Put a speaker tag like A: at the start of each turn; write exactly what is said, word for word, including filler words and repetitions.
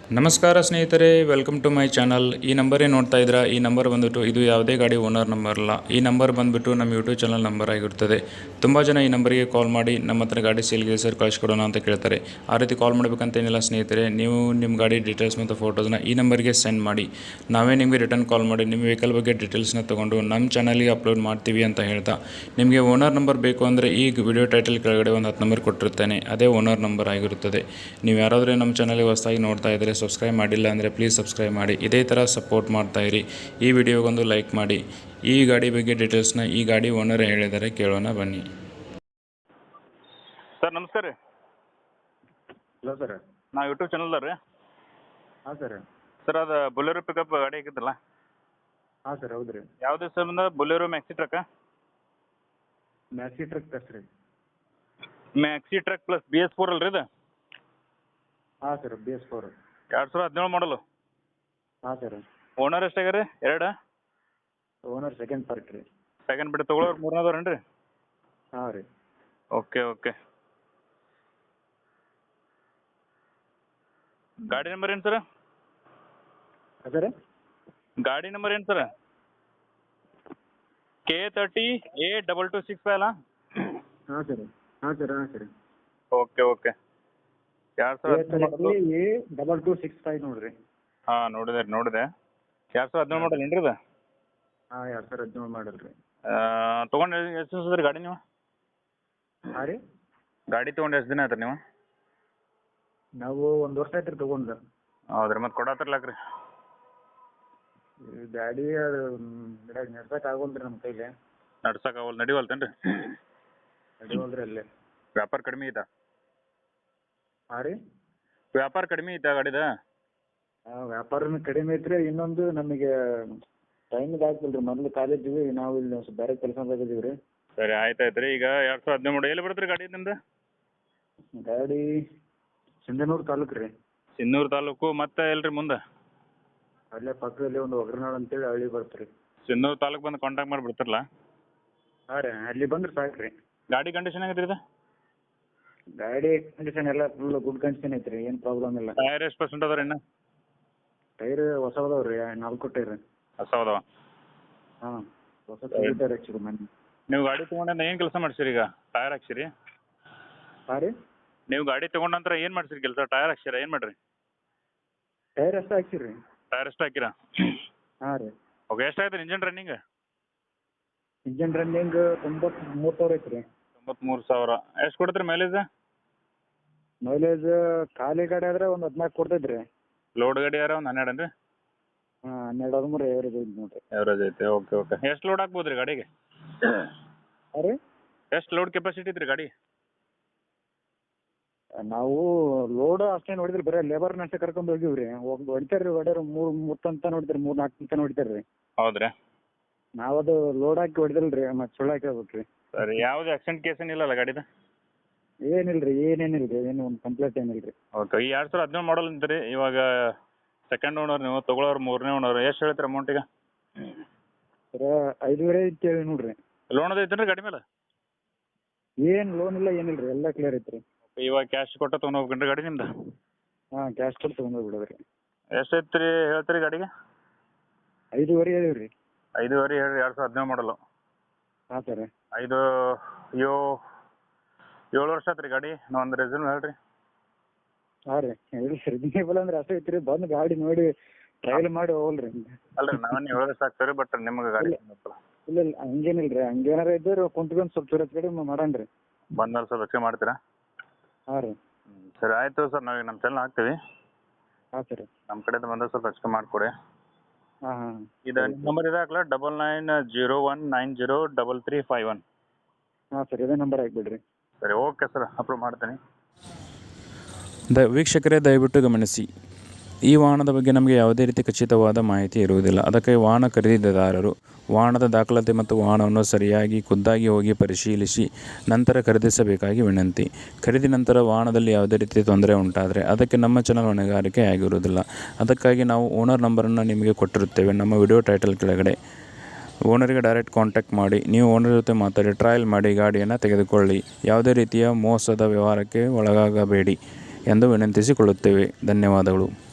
A: ನಮಸ್ಕಾರ ಸ್ನೇಹಿತರೆ, welcome to my channel. ಈ ನಂಬರೇ ನೋಡ್ತಾ ಇದ್ದೀರಾ. ಈ ನಂಬರ್ ಬಂದುಬಿಟ್ಟು ಇದು ಯಾವುದೇ ಗಾಡಿ ಓನರ್ ನಂಬರ್ ಅಲ್ಲ. ಈ ನಂಬರ್ ಬಂದುಬಿಟ್ಟು ನಮ್ಮ ಯೂಟ್ಯೂಬ್ ಚಾನಲ್ ನಂಬರ್ ಆಗಿರ್ತದೆ. ತುಂಬ ಜನ ಈ ನಂಬರಿಗೆ ಕಾಲ್ ಮಾಡಿ ನಮ್ಮ ಹತ್ರ ಗಾಡಿ ಸೇಲ್ಗೆ ಸರ್ ಕಳಿಸ್ಕೊಡೋಣ ಅಂತ ಕೇಳ್ತಾರೆ. ಆ ರೀತಿ ಕಾಲ್ ಮಾಡಬೇಕಂತೇನಿಲ್ಲ ಸ್ನೇಹಿತರೆ. ನೀವು ನಿಮ್ಮ ಗಾಡಿ ಡೀಟೇಲ್ಸ್ ಮತ್ತು ಫೋಟೋಸ್ನ ಈ ನಂಬರ್ಗೆ ಸೆಂಡ್ ಮಾಡಿ, ನಾವೇ ನಿಮಗೆ ರಿಟರ್ನ್ ಕಾಲ್ ಮಾಡಿ ನಿಮ್ಮ ವೆಹಿಕಲ್ ಬಗ್ಗೆ ಡೀಟೇಲ್ಸ್ನ ತೊಗೊಂಡು ನಮ್ಮ ಚಾನಲ್ಗೆ ಅಪ್ಲೋಡ್ ಮಾಡ್ತೀವಿ ಅಂತ ಹೇಳ್ತಾ, ನಿಮಗೆ ಓನರ್ ನಂಬರ್ ಬೇಕು ಅಂದರೆ ಈ ವಿಡಿಯೋ ಟೈಟಲ್ ಕೆಳಗಡೆ ಒಂದು ಹತ್ತು ನಂಬರ್ ಕೊಟ್ಟಿರ್ತೇನೆ. ಅದೇ ಓನರ್ ನಂಬರ್ ಆಗಿರುತ್ತದೆ. ನೀವು ಯಾರಾದರೂ ನಮ್ಮ ಚಾನಲ್ಗೆ ಹೊಸದಾಗಿ ನೋಡ್ತಾ ಇದ್ದರೆ, ಸಬ್ಸ್ಕ್ರೈಬ್ ಮಾಡಿಲ್ಲ ಅಂದರೆ ಪ್ಲೀಸ್ ಸಬ್ಸ್ಕ್ರೈಬ್ ಮಾಡಿ. ಇದೇ ಥರ ಸಪೋರ್ಟ್ ಮಾಡ್ತಾಯಿರಿ. ಈ ವಿಡಿಯೋಗೊಂದು ಲೈಕ್ ಮಾಡಿ. ಈ ಗಾಡಿ ಬಗ್ಗೆ ಡೀಟೇಲ್ಸ್ನ ಈ ಗಾಡಿ ಓನರ್ ಹೇಳಿದರೆ ಕೇಳೋಣ ಬನ್ನಿ.
B: ಸರ್ ನಮಸ್ಕಾರ ರೀ.
C: Hello sir.
B: ನಾವು ಯೂಟ್ಯೂಬ್ ಚಾನಲ್ದ ರೀ.
C: ಹಾಂ ಸರ್.
B: ಸರ್ ಅದು ಬೊಲೆರೋ ಪಿಕಪ್ ಗಾಡಿ ಆಗಿದ್ದಲ್ಲ.
C: ಹಾಂ ಸರ್, ಹೌದು ರೀ.
B: ಯಾವುದು ಸರ್ ಬಂದ ಬೊಲೆರೋ ಮ್ಯಾಕ್ಸಿ ಟ್ರಕ್ಕ?
C: ಮ್ಯಾಕ್ಸಿ ಟ್ರಕ್ ಪ್ಲಸ್ ರೀ.
B: Maxi truck plus B S four ಅಲ್ರಿ ಇದು?
C: ಹಾಂ ಸರ್, ಬಿ ಎಸ್ ಫೋರ್.
B: ಎರಡು ಸಾವಿರ ಹದಿನೇಳು ಮಾಡಲು.
C: ಹಾಂ ಸರ್.
B: ಓನರ್ ಎಷ್ಟಾಗ್ಯಾರ ರೀ? ಎರಡು
C: ಓನರ್ ಸೆಕೆಂಡ್ ಪಾರ್ಟ್ ರೀ.
B: ಸೆಕೆಂಡ್ ಬಿಟ್ಟು ತೊಗೊಳೋರು ಮೂರನೇದವ್ರೇನು ರೀ?
C: ಹಾಂ ರೀ.
B: Okay okay. ಗಾಡಿ ನಂಬರ್ ಏನು ಸರ್?
C: ಸರ್
B: ಗಾಡಿ ನಂಬರ್ ಏನು sir? K thirty A double two six five ಅಲ್ಲ?
C: ಹಾಂ ಸರ್. ಹಾಂ ಸರ್. ಹಾಂ ಸರ್.
B: Okay okay. ಎರಡು ಸಾವಿರ
C: A double two six five ನೋಡಿರಿ.
B: ಹಾಂ ನೋಡಿದೆ ನೋಡಿದೆ. ಎರಡು ಸಾವಿರ ಹದಿನೇಳು ಮಾಡಲ್ ಏನ್ರಿ ಇದು?
C: ಹಾಂ, ಎರಡು ಸಾವಿರ ಹದಿನೇಳು ಮಾಡಲ್ ರೀ.
B: ತೊಗೊಂಡು ಎಷ್ಟು ದಿವಸ ರೀ ಗಾಡಿ ನೀವು?
C: ಹಾಂ ರೀ.
B: ಗಾಡಿ ತೊಗೊಂಡು ಎಷ್ಟು ದಿನ ಆಯ್ತು ನೀವು?
C: ನಾವು ಒಂದು ವರ್ಷ ಆಯ್ತು ರೀ ತೊಗೊಂಡು.
B: ಹೌದ್ರಿ, ಮತ್ತೆ ಕೊಡತ್ತಿರ್ಲಾಕ ರೀ?
C: ಗಾಡಿ ಅದು ನಡ್ಸಕ್ಕೆ ಆಗೋಲ್ರಿ ನಮ್ಮ ಕೈಲಿ.
B: ನಡ್ಸಕ್ಕೆ ಆಗಲ್ಲ, ನಡಿವಲ್ತೇನು ರೀ?
C: ನಡಿವಲ್ರಿ ಅಲ್ಲೇ.
B: ವ್ಯಾಪಾರ ಕಡಿಮೆ ಐತಾ?
C: ಹಾಂ ರೀ.
B: ವ್ಯಾಪಾರ ಕಡಿಮೆ ಐತಾ ಗಾಡಿದ?
C: ಹಾಂ, ವ್ಯಾಪಾರನೂ ಕಡಿಮೆ ಐತ್ರಿ. ಇನ್ನೊಂದು ನಮಗೆ ಟೈಮಿಗೆ ಆಗ್ತಿಲ್ಲ ರೀ. ಮೊದಲು ಕಾಲೇಜಿಗೆ ನಾವು ಇಲ್ಲಿ ಬೇರೆ ಕೆಲಸ ಮಾಡಿದ್ದೀವಿ ರೀ.
B: ಸರಿ, ಆಯ್ತು ಆಯ್ತು ರೀ. ಈಗ ಎರಡು ಸಾವಿರ ಹದಿನೇಳು ಮಾಡಿ ಎಲ್ಲಿ ಬರುತ್ತೆ ರೀ ಗಾಡಿ ನಿಮ್ದು?
C: ಗಾಡಿ ಸಿಂಧನೂರು ತಾಲೂಕು ರೀ.
B: ಸಿನ್ನೂರು ತಾಲೂಕು. ಮತ್ತೆ ಎಲ್ರಿ ಮುಂದೆ?
C: ಅಲ್ಲೇ ಪಕ್ಕದಲ್ಲಿ ಒಂದು ಒಗ್ರನಾಳು ಅಂತೇಳಿ ಹಳ್ಳಿ ಬರುತ್ತೆ ರೀ.
B: ಸಿನ್ನೂರು ತಾಲೂಕು ಬಂದು ಕಾಂಟ್ಯಾಕ್ಟ್ ಮಾಡಿ ಬಿಡ್ತಾರಲ್ಲ?
C: ಹಾಂ ರೀ, ಅಲ್ಲಿ ಬಂದ್ರೆ ಸಾಕು ರೀ.
B: ಗಾಡಿ ಕಂಡೀಷನ್ ಆಗೈತೆ ಇದು?
C: ಗಾಡಿ ಕಂಡೀಷನ್ ಎಲ್ಲ ಫುಲ್ ಗುಡ್ ಕಂಡೀಷನ್ ಐತ್ರಿ, ಏನು ಪ್ರಾಬ್ಲಮ್ ಇಲ್ಲ.
B: ಟೈರ್ ಎಷ್ಟು ಪರ್ಸೆಂಟ್ ಅದಾವ ರೀ ಇನ್ನು?
C: ಟೈರ್ ಹೊಸ ಅದಾವ ರೀ, ನಾಲ್ಕು ಟೈರ್.
B: ಹೊಸ ಅದಾವ?
C: ಹಾಂ, ಹೊಸ ಟೈರ್ ಹಚ್ಚಿರಿ ಮನೆ.
B: ನೀವು ಗಾಡಿ ತೊಗೊಂಡಿಂದ ಏನು ಕೆಲಸ ಮಾಡ್ಸಿರಿ ಈಗ? ಟೈರ್ ಹಾಕ್ಸಿರಿ?
C: ಹಾಂ ರೀ.
B: ನೀವು ಗಾಡಿ ತೊಗೊಂಡ ನಂತರ ಏನು ಮಾಡ್ಸಿರಿ ಕೆಲಸ? ಟೈರ್ ಹಾಕ್ಸಿರ ಏನು ಮಾಡ್ರಿ?
C: ಟೈರ್ ಅಷ್ಟೇ ಹಾಕ್ಸಿರಿ.
B: ಟೈರ್ ಎಷ್ಟು ಹಾಕಿರಾ?
C: ಹಾಂ ರೀ.
B: ಓಕೆ. ಎಷ್ಟಾಯ್ತು ಇಂಜನ್ ರನ್ನಿಂಗ್?
C: ಇಂಜನ್ ರನ್ನಿಂಗ್ ತೊಂಬತ್ಮೂರು ಸಾವಿರ ಐತ್ರಿ.
B: ತೊಂಬತ್ಮೂರು ಸಾವಿರ. ಎಷ್ಟು ಕೊಡ್ತೀರಿ ಮೈಲೇಜ್?
C: ಮೈಲೇಜ್ ಖಾಲಿ ಗಾಡಿ ಆದ್ರೆ ಒಂದು ಹದಿನಾಲ್ಕು ಕೊಡ್ತೈತೆ ರೀ.
B: ಲೋಡ್ ಗಾಡಿ ಯಾರ ಒಂದು ಹನ್ನೆರಡು ಏನು ರೀ?
C: ಹಾಂ, ಹನ್ನೆರಡು ಹದಿಮೂರು ಎವರೇಜ್ ಐತೆ ನೋಡಿರಿ.
B: ಎವರೇಜ್ ಐತೆ. Okay okay. ಎಷ್ಟು ಲೋಡ್ ಹಾಕ್ಬೋದು ರೀ ಗಾಡಿಗೆ?
C: ಹಾಂ ರೀ.
B: ಎಷ್ಟು ಲೋಡ್ ಕೆಪಾಸಿಟಿ ಐತ್ರಿ ಗಾಡಿ?
C: ನಾವು ಲೋಡ್ ಅಷ್ಟೇ ನೋಡಿದ್ರಿ, ಬರೀ ಲೇಬರ್ನ ಅಷ್ಟೇ ಕರ್ಕೊಂಡು ಹೋಗಿವಿ ರೀ. ಹೋಗಿ ಹೊಡಿತಾರೆ ರೀ, ಹೊಡ್ಯಾರ ಮೂರು ಮೂರು ತನಕ ನೋಡಿದ್ರಿ, ಮೂರು ನಾಲ್ಕು ತನಕ ಹೊಡಿತಾರೆ ರೀ.
B: ಹೌದ್ರಾ?
C: ನಾವು ಅದು ಲೋಡ್ ಹಾಕಿ ಹೊಡೆದಿಲ್ಲ ರೀ, ಮತ್ತೆ ಸುಳ್ಳು ಹಾಕಿ ಹೋಗ್ಬೇಕು ರೀ.
B: ಸರಿ. ಯಾವ್ದು ಆಕ್ಸಿಡೆಂಟ್ ಕೇಸ್ ಏನಿಲ್ಲಲ್ಲ ಗಾಡಿದ?
C: ಏನಿಲ್ಲ ರೀ, ಏನೇನಿಲ್ಲ ರೀ, ಏನು ಒಂದು ಕಂಪ್ಲೇಂಟ್ ಏನಿಲ್ಲ ರೀ.
B: ಓಕೆ. ಈ ಎರಡು ಸಾವಿರ ಹದಿನೇಳು ಮಾಡಲ್ ಅಂತೀರಿ. ಇವಾಗ ಸೆಕೆಂಡ್ ಓನರ್ ನೀವು, ತೊಗೊಳೋರು ಮೂರನೇ ಓನರ್. ಎಷ್ಟು ಹೇಳ್ತೀರಿ ಅಮೌಂಟಿಗೆ?
C: ಸರ ಐದುವರೆ ಐತಿ ನೋಡ್ರಿ.
B: ಲೋನ್ ಅದು ಐತೇನು ರೀ ಗಾಡಿ ಮೇಲೆ?
C: ಏನು ಲೋನ್ ಇಲ್ಲ, ಏನಿಲ್ಲ ರೀ, ಎಲ್ಲ ಕ್ಲಿಯರ್ ಐತೆ ರೀ.
B: ಇವಾಗ ಕ್ಯಾಶ್ ಕೊಟ್ಟು ತೊಗೊಂಡು ಹೋಗ್ಬೇಕೇನು ರೀ ಗಾಡಿ ನಿಮ್ದು?
C: ಹಾಂ, ಕ್ಯಾಶ್ ಕೊಟ್ಟು ತೊಗೊಂಡು ಹೋಗ್ಬಿಡೋದು ರೀ. ಎಷ್ಟು
B: ಐತೆ ರೀ ಹೇಳ್ತೀರಿ ಗಾಡಿಗೆ?
C: ಐದುವರೆ ಹೇಳಿವಿ ರೀ.
B: ಐದುವರೆ ಹೇಳಿ. ಎರಡು ಸಾವಿರ ಹದಿನೇಳು ಮಾಡಲು.
C: ಹಾಂ ಸರ್.
B: ಐದು ಯೋ ಏಳು ವರ್ಷ ಆಯ್ತು ರೀ ಗಾಡಿ. ಒಂದು ರೆಸ್ಯೂಮ್ ಹೇಳ್ರಿ.
C: ಹಾಂ ರೀ, ಹೇಳಿ ರಿಜನೇಬಲ್ ಅಂದ್ರೆ ಅಷ್ಟೇ ಐತಿ ರೀ. ಬಂದು ಗಾಡಿ ನೋಡಿ ಟ್ರಯಲ್ ಮಾಡಿ ಹೋಗಲ್ಲ ರೀ.
B: ಅಲ್ಲ ರೀ, ನಾವೇನು ಹೇಳಿದ್ರೆ ಸಾಕು ಸರಿ, ಬಟ್ ನಿಮ್ಗೆ ಗಾಡಿ
C: ಇಲ್ಲ ಇಲ್ಲ, ಹಂಗೇನಿಲ್ಲ ರೀ. ಹಂಗೇನಾರ ಇದ್ದರೆ ಕುಂತ್ಕೊಂಡು ಸ್ವಲ್ಪ ಚೂರ ಕಡೆ ಮಾಡೋಣ ರೀ.
B: ಬಂದ್ಮೇಲೆ ಸ್ವಲ್ಪ ಹೆಚ್ಚಿಗೆ ಮಾಡ್ತೀರಾ?
C: ಹಾಂ ರೀ.
B: ಸರಿ, ಆಯಿತು ಸರ್. ನಾವು ನಮ್ಮ ಚಾನಲ್ ಹಾಕ್ತೀವಿ.
C: ಹಾಂ ಸರ್.
B: ನಮ್ಮ ಕಡೆಯಿಂದ ಬಂದರೆ ಸ್ವಲ್ಪ ಹೆಚ್ಚಿಗೆ ಮಾಡಿಕೊಡಿ.
C: ಹಾಂ ಹಾಂ.
B: ಇದು ನಂಬರ್ ಇದೆ ಹಾಕ್ಲಾ? Double nine zero one nine zero double three five one.
C: ಹಾಂ ಸರ್, ಇದೇ ನಂಬರ್ ಹಾಕ್ಬಿಡ್ರಿ.
B: ಸರಿ, ಓಕೆ ಸರ್, ಅಪ್ರೂವ್ ಮಾಡ್ತೀನಿ.
A: ದ ವೀಕ್ಷಕರೇ, ದಯವಿಟ್ಟು ಗಮನಿಸಿ, ಈ ವಾಹನದ ಬಗ್ಗೆ ನಮಗೆ ಯಾವುದೇ ರೀತಿ ಖಚಿತವಾದ ಮಾಹಿತಿ ಇರುವುದಿಲ್ಲ. ಅದಕ್ಕೆ ವಾಹನ ಖರೀದಿದಾರರು ವಾಹನದ ದಾಖಲಾತಿ ಮತ್ತು ವಾಹನವನ್ನು ಸರಿಯಾಗಿ ಖುದ್ದಾಗಿ ಹೋಗಿ ಪರಿಶೀಲಿಸಿ ನಂತರ ಖರೀದಿಸಬೇಕಾಗಿ ವಿನಂತಿ. ಖರೀದಿ ನಂತರ ವಾಹನದಲ್ಲಿ ಯಾವುದೇ ರೀತಿ ತೊಂದರೆ ಉಂಟಾದರೆ ಅದಕ್ಕೆ ನಮ್ಮ ಚಾನಲ್ ಹೊಣೆಗಾರಿಕೆ ಆಗಿರುವುದಿಲ್ಲ. ಅದಕ್ಕಾಗಿ ನಾವು ಓನರ್ ನಂಬರನ್ನು ನಿಮಗೆ ಕೊಟ್ಟಿರುತ್ತೇವೆ ನಮ್ಮ ವಿಡಿಯೋ ಟೈಟಲ್ ಕೆಳಗಡೆ. ಓನರಿಗೆ ಡೈರೆಕ್ಟ್ ಕಾಂಟ್ಯಾಕ್ಟ್ ಮಾಡಿ, ನೀವು ಓನರ್ ಜೊತೆ ಮಾತಾಡಿ ಟ್ರಯಲ್ ಮಾಡಿ ಗಾಡಿಯನ್ನು ತೆಗೆದುಕೊಳ್ಳಿ. ಯಾವುದೇ ರೀತಿಯ ಮೋಸದ ವ್ಯವಹಾರಕ್ಕೆ ಒಳಗಾಗಬೇಡಿ ಎಂದು ವಿನಂತಿಸಿಕೊಳ್ಳುತ್ತೇವೆ. ಧನ್ಯವಾದಗಳು.